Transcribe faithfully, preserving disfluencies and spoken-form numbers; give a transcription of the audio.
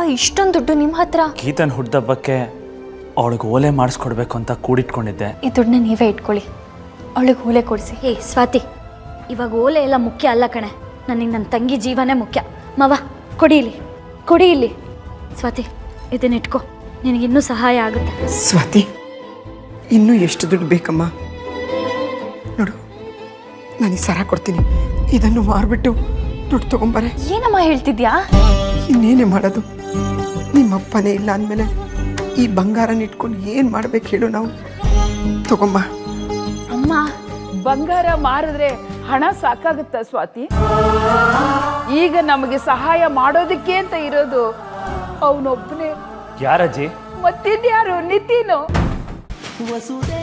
ಇಷ್ಟೊಂದು ದುಡ್ಡು ನಿಮ್ಮ ಹತ್ರ? ಗೀತನ್ ಹುಡ್ದಬ್ಬಕ್ಕೆ ಅವಳಿಗೆ ಓಲೆ ಮಾಡಿಸ್ಕೊಡ್ಬೇಕು ಅಂತ ಕೂಡಿಟ್ಕೊಂಡಿದ್ದೆ. ಈ ದುಡ್ಡನ್ನ ನೀವೇ ಇಟ್ಕೊಳ್ಳಿ, ಅವಳಿಗೆ ಓಲೆ ಕೊಡಿಸಿ. ಹೇ ಸ್ವಾತಿ, ಇವಾಗ ಓಲೆ ಎಲ್ಲ ಮುಖ್ಯ ಅಲ್ಲ ಕಣೆ, ನನಗೆ ನನ್ನ ತಂಗಿ ಜೀವನೇ ಮುಖ್ಯ. ಮವ ಕೊಡಿ ಇಲ್ಲಿ, ಕೊಡಿ ಇಲ್ಲಿ. ಸ್ವಾತಿ ಇದನ್ನ ಇಟ್ಕೋ, ನಿನಗಿನ್ನೂ ಸಹಾಯ ಆಗುತ್ತೆ. ಸ್ವಾತಿ, ಇನ್ನೂ ಎಷ್ಟು ದುಡ್ಡು ಬೇಕಮ್ಮ? ನೋಡು, ನಾನು ಈ ಸರ ಕೊಡ್ತೀನಿ, ಇದನ್ನು ಮಾರ್ಬಿಟ್ಟು ದುಡ್ಡು ತಗೊಂಬರೆ. ಏನಮ್ಮ ಹೇಳ್ತಿದ್ಯಾ? ಇನ್ನೇನೇ ಮಾಡೋದು? ನಿಮ್ಮಪ್ಪನೇ ಇಲ್ಲ ಅಂದಮೇಲೆ ಈ ಬಂಗಾರನ ಇಟ್ಕೊಂಡು ಏನು ಮಾಡ್ಬೇಕು ಹೇಳು ನಾವು? ತಗೊಂಬ. ಅಮ್ಮ, ಬಂಗಾರ ಮಾರಿದ್ರೆ ಹಣ ಸಾಕಾಗುತ್ತ ಸ್ವಾತಿ? ಈಗ ನಮಗೆ ಸಹಾಯ ಮಾಡೋದಕ್ಕೆ ಅಂತ ಇರೋದು ಅವನೊಬ್ಬನೇ. ಯಾರಜ್ಜಿ? ಮತ್ತಿನ್ಯಾರು? ನಿತಿನು. ವಸುದೇ